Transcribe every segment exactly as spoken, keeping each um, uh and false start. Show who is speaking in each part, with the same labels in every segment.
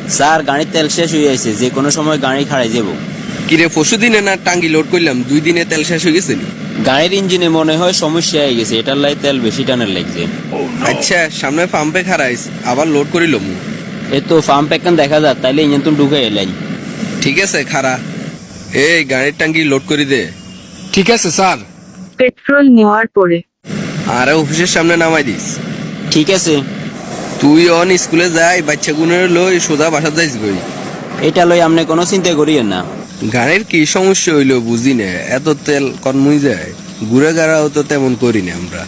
Speaker 1: Sir গাড়ির তেল শেষ হয়ে আছে, যে কোনো সময় গাড়ি খাড়াই যাব।
Speaker 2: কিরে পরশু দিনে না টাঙ্গি লোড করলাম, দুই দিনে তেল শেষ হয়ে গেছে নি?
Speaker 1: গাড়ির ইঞ্জিনে মনে হয় সমস্যা হয়ে গেছে, এটার লাই তেল বেশি টানের লাগছে।
Speaker 2: আচ্ছা সামনে পাম্পে খারাইস, আবার লোড করিলাম।
Speaker 1: এ তো পাম্প একখান দেখা যায়, তাইলে ইঞ্জিন তুমি ঢুকে এলাই।
Speaker 2: ঠিক আছে খারা, এই গাড়ির টাঙ্গি লোড করে দে।
Speaker 3: ঠিক আছে স্যার।
Speaker 4: পেট্রোল নেওয়ার পরে
Speaker 2: আর অফিসের সামনে নামাই দিস।
Speaker 1: ঠিক আছে।
Speaker 2: তুই অন স্কুলে যাই, বাচ্চা গুনের লই সোজা বাসা যাইস গই।
Speaker 1: এটা লই আপনি কোনো চিন্তা করিয়েন না।
Speaker 2: গাড়ির কি সমস্যা হইলো বুঝি না, এত তেল কনমুই যায়, ঘুরে গাড়াও তো তেমন করি না আমরা।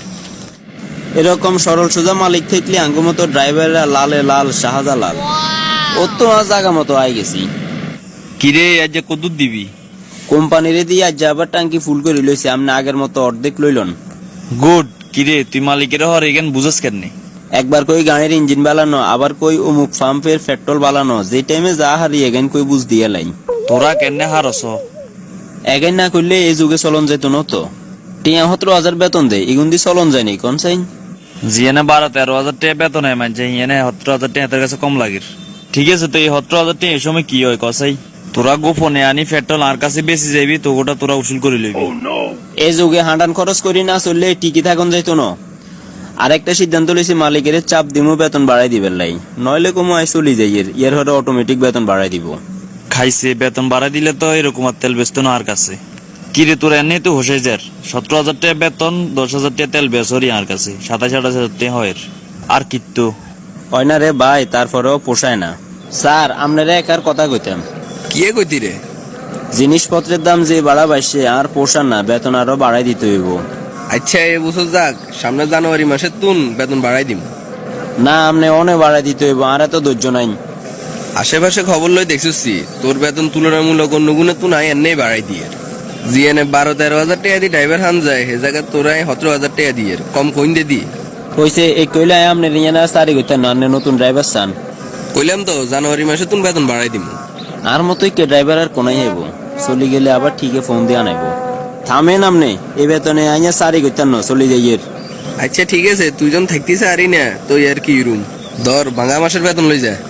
Speaker 1: এরকম সরল সোজা মালিক থাকলে আঙ্গু মতো ড্রাইভাররা লালে লাল শাহাজা লাল। ও তো আজ জাগা মতো আই গেছি।
Speaker 5: কিরে আজ যে কদুর দিবি?
Speaker 1: কোম্পানির দিয়ে আজ আবার টাঙ্কি ফুল করে লইছে, আপনি আগের মতো অর্ধেক লইলন।
Speaker 5: গুড। কিরে তুই মালিকের হর এখান বুঝাস কেন?
Speaker 1: একবার কই গাড়ির ইঞ্জিন বালানো, আবার কই অমুক পাম্পের পেট্রোল বালানো, যে টাইমে যা হারি এগেন কই বুঝ দিয়ে লাইন।
Speaker 5: তোরা কেন হারস?
Speaker 1: এগেন না করলে এই যুগে চলন যেত না তো। টিয়া সতেরো হাজার বেতন দেয়, এগুন দিয়ে চলন যায়নি কোন চাই।
Speaker 5: জিয়ানে বারো তেরো হাজার টাকা বেতন হয়, মানছে হিয়ানে সতেরো হাজার টাকা তার কাছে কম লাগের। ঠিক আছে, তো এই সতেরো হাজার টাকা এই সময় কি হয় কসাই? তোরা গোপনে আনি পেট্রোল আর কাছে বেশি যাবি, তো ওটা তোরা উসুল করে লইবি।
Speaker 1: এই যুগে হাঁটান খরচ করি না চললে টিকি থাকুন যাইতো না। আরেকটা সিদ্ধান্ত লইছি, মালিকের চাপ দিমু বেতন বাড়াই দিবেন লাই, নইলে কমু আই চলি যাই, এর হরে অটোমেটিক বেতন বাড়াই দিব।
Speaker 5: খাইছে বেতন বাড়াই দিলে তো এরকম আর তেল বেচতো না আর কাছে। কিরে তোরা এনে তো হোসে যার সতেরো হাজার টাকা বেতন, দশ হাজার টাকা তেল বেচরি আর কাছে, সাতাশ আঠাশ হাজার টাকা হয় আর কিত্তু
Speaker 1: হয় না রে ভাই, তারপরেও পোষায় না। স্যার আপনারা একার কথা কইতাম।
Speaker 2: কি কইতি রে?
Speaker 1: জিনিসপত্রের দাম যে বাড়া বাইছে আর পোষান না, বেতন আরো বাড়াই দিতে হইব।
Speaker 2: আচ্ছা এ বছর যাক, সামনে জানুয়ারি মাসের তুন বেতন বাড়াই দিম।
Speaker 1: না আপনি অনেক বাড়াই দিতে হইব, আর এত ধৈর্য নাই।
Speaker 2: আশেপাশে খবর লই দেখছি তোর বেতন তুলনামূলক অন্য গুণে তুই নাই এনে বাড়াই দিয়ে। জিএনে বারো তেরো হাজার টাকা দিয়ে ড্রাইভার হান যায়, সে জায়গায় তোরাই সতেরো হাজার টাকা দিয়ে কম কইন দে দি।
Speaker 1: কইছে এই কইলে আপনি রিয়ানা সারি কইতেন না, আপনি নতুন ড্রাইভার চান।
Speaker 2: কইলাম তো জানুয়ারি মাসে তুন বেতন বাড়াই দিম।
Speaker 1: আর মতোই কে ড্রাইভার আর কোনাই হইব, চলি গেলে আবার ঠিকই ফোন দিয়ে আনাইব। থামেন আপনি, এই বেতনে আইয়া সারি কইতেন না, চলি যাইয়ের।
Speaker 2: আচ্ছা ঠিক আছে, তুই যখন থাকতিস আরই না তুই আর কি রুম ধর ভাঙা মাসের বেতন লই যা।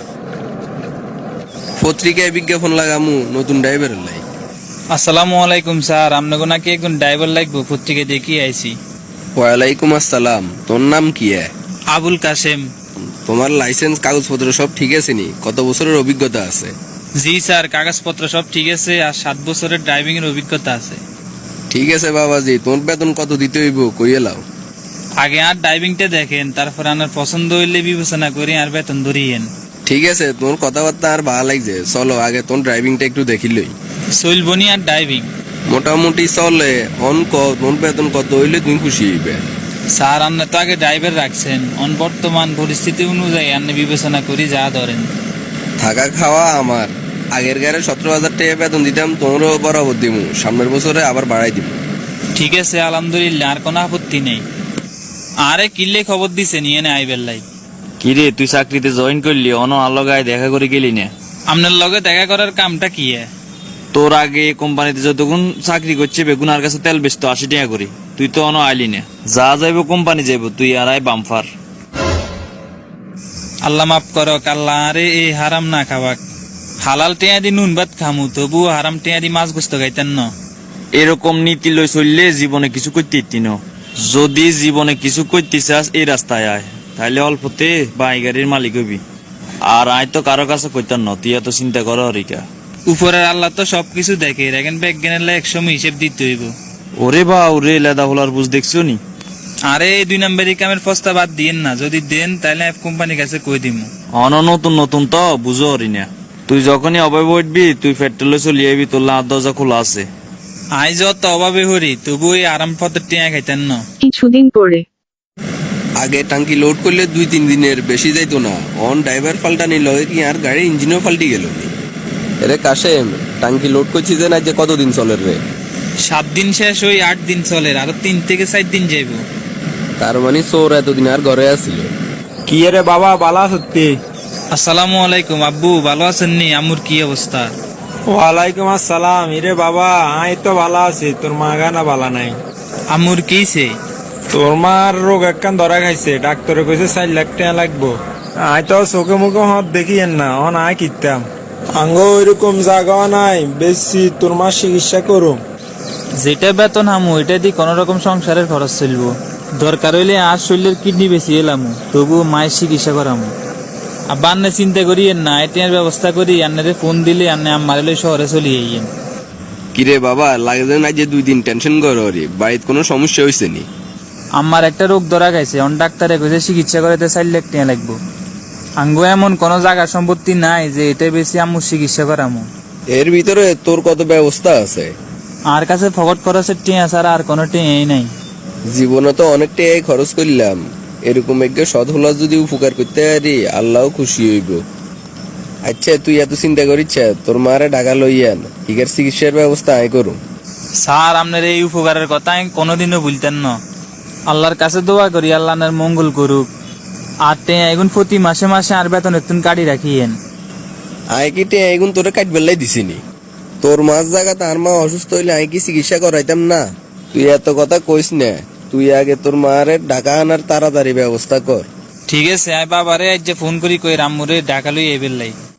Speaker 2: পত্রিকায় বিজ্ঞাপন লাগামু নতুন ড্রাইভারের লাই।
Speaker 6: আসসালামু আলাইকুম স্যার, আপনাকে নাকি একজন ড্রাইভার লাগবে, পত্রিকা দেখি আইছি।
Speaker 2: ওয়ালাইকুম আসসালাম, তোর নাম কি?
Speaker 6: আবুল কাসেম।
Speaker 2: তোমার লাইসেন্স কাগজপত্র সব ঠিক আছে নি? কত বছরের অভিজ্ঞতা আছে?
Speaker 6: জি স্যার, কাগজপত্র সব ঠিক আছে, আর সাত বছরের ড্রাইভিং এর অভিজ্ঞতা আছে।
Speaker 2: ঠিক আছে বাবাজি, তোর বেতন কত দিতে হইব কইয়ে লাও।
Speaker 6: আগে আর ড্রাইভিংটা দেখেন, তারপর আপনার পছন্দ হইলে বিবেচনা করে আর বেতন ধরিয়েন।
Speaker 2: ঠিক আছে, তোর কথাবার্তা আর ভালো লাগছে, চলো আগে তোর ড্রাইভিংটা একটু দেখিলই।
Speaker 6: চলবনি আর ড্রাইভিং?
Speaker 2: মোটামুটি চলে। অন কর তোর বেতন কত হইলে তুমি খুশি হইবে?
Speaker 6: স্যার আপনি তো আগে ড্রাইভার রাখছেন, অন বর্তমান পরিস্থিতি অনুযায়ী আপনি বিবেচনা করি যা ধরেন।
Speaker 2: থাকা খাওয়া আমার। আগের গাড়ি সতেরো হাজার টাকা বেতন দিতাম, তোমরাও বরাবর দিমু, সামনের বছরে আবার বাড়াই দিব।
Speaker 6: ঠিক আছে আলহামদুলিল্লাহ, আর কোনো আপত্তি নেই। আরে কিল্লে খবর দিছে নিয়ে নে আইবেল লাই।
Speaker 5: কিরে তুই চাকরিতে জয়েন করলি, অন আলোগায় দেখা করে গেলি না?
Speaker 6: আপনার লগে দেখা করার কামটা কি?
Speaker 5: তোর আগে কোম্পানিতে যতক্ষণ চাকরি করছে বেগুন আর কাছে তেল বেচতো আশি টাকা করে, তুই তো অন আইলি না। যা যাইব কোম্পানি যাইব, তুই আর আই বামফার।
Speaker 6: আল্লাহ মাফ করক, আল্লাহ আরে এই হারাম না খাবাক। হালাল টেয়া দি নুন ভাত খামু, তবু হারাম টেয়া দি মাছ গোস্ত খাইতেন না।
Speaker 5: এরকম নীতি লই চললে জীবনে কিছু করতে ইতি ন। যদি জীবনে কিছু করতে চাস এই রাস্তায় আয়, তাহলে অল্পতে বাই গাড়ির মালিক হবি। আর আয় তো কারো কাছে কইতাম না, তুই এত চিন্তা কর হরিকা।
Speaker 6: উপরের আল্লাহ তো সবকিছু দেখে, এখন বিজ্ঞানের লাই একসময় হিসেব দিতে হইব।
Speaker 5: ওরে বা ওরে লেদা হলার বুঝ দেখছো নি?
Speaker 6: আরে এই দুই নম্বরই কামের প্রস্তাব বাদ দিয়েন না, যদি দেন তাহলে কোম্পানির কাছে কই দিমু।
Speaker 5: অন নতুন নতুন তো বুঝো হরি না। তুই যখনই অভাবে উঠবি তুই পেট্রোলে চলে যাবি, তোর লাভ দরজা খোলা আছে।
Speaker 6: আই যত অভাবে হরি, তবু এই আরাম পথের টেয়া খাইতেন না।
Speaker 4: কিছুদিন পরে
Speaker 2: আগে টাঙ্কি লোড করলে দুই তিন দিনের বেশি যাইতো না, অন ড্রাইভার পাল্টানি লয় কি আর গাড়ির ইঞ্জিনও পাল্টি গেল। রে কাশেম, টাঙ্কি লোড করছি যে না, যে কতদিন চলে রে?
Speaker 6: সাত দিন শেষ হই আট দিন চলে, আরো তিন থেকে চার দিন যাইব।
Speaker 2: তার মানে চোর এতদিন আর ঘরে আসছিল।
Speaker 3: কি রে বাবা, বালা সত্যি?
Speaker 6: আসসালামু আলাইকুম আব্বু, ভালো আছেন নি? আমুর কি অবস্থা?
Speaker 3: ওয়ালাইকুম আসসালাম। ইরে বাবা আই তো ভালো আছি, তোর মা গানা ভালো নাই।
Speaker 6: আমুর কিছে?
Speaker 3: তোর মার রোগ একখান ধরা খাইছে, ডাক্তারে কইছে চার লাখ টাকা লাগবো। আয় তো চোখে মুখে হত দেখিয়েন না অন আয় কিতাম আঙ্গ ওইরকম জায়গা নাই বেশি তোর মা চিকিৎসা করো।
Speaker 6: যেটা বেতন হামু এটা দিয়ে কোন রকম সংসারের খরচ চলবো। দরকার হইলে আর শরীরের কিডনি বেশি এলাম, তবু মায়ের চিকিৎসা করামু। আব্বা আন্নে চিন্তা করিয়েন না, এটির ব্যবস্থা করি, আন্নারে ফোন দিলে আন্নে আমার লই শহরে চলে যাইয়েন।
Speaker 2: কিরে বাবা, লাগে যে না যে দুই দিন টেনশন করো রে, বাড়িতে কোনো সমস্যা হয়েছে নি?
Speaker 6: আমার একটা রোগ ধরা গেছে, অন ডাক্তারে কইছে চিকিৎসা করাতে চার লাখ টাকা লাগবো। আঙ্গো এমন কোন জায়গা সম্পত্তি নাই যে এটা বেশি আম্মু চিকিৎসা করামু।
Speaker 2: এর ভিতরে তোর কত ব্যবস্থা আছে?
Speaker 6: আর কাছে ফকট খরচের টিয়া ছাড়া আর কোনো টিয়াই নাই।
Speaker 2: জীবনে তো অনেকটা এই খরচ করলাম, এরকম একটু সৎ হলা যদি উপকার করতে পারি আল্লাহ খুশি হইব। আচ্ছা তুই এত চিন্তা করিস, তোর মারে ঢাকা লইয়ান, হিগার চিকিৎসার ব্যবস্থা আয় করুম।
Speaker 6: স্যার আপনার এই উপকারের কথা আমি কোনোদিনও ভুলতেন না। আল্লাহর কাছে দোয়া করি আল্লাহ আপনার মঙ্গল করুক। আর টিয়া এখন প্রতি মাসে মাসে আর বেতন একটু কাটি রাখিয়েন।
Speaker 2: আয় কি টিয়া এগুন তোরে কাট বেলাই দিছিনি? তোর মাছ জায়গা তার মা অসুস্থ হইলে আয় কি চিকিৎসা করাইতাম না? তুই এত কথা কইস না, তুই আগে তোর মারে ঢাকা আনার তাড়াতাড়ি ব্যবস্থা কর।
Speaker 6: ঠিক আছে, আমি বাবারে আজ যে ফোন করি কই রাম্মুরে ঢাকা লই এবেল লাই।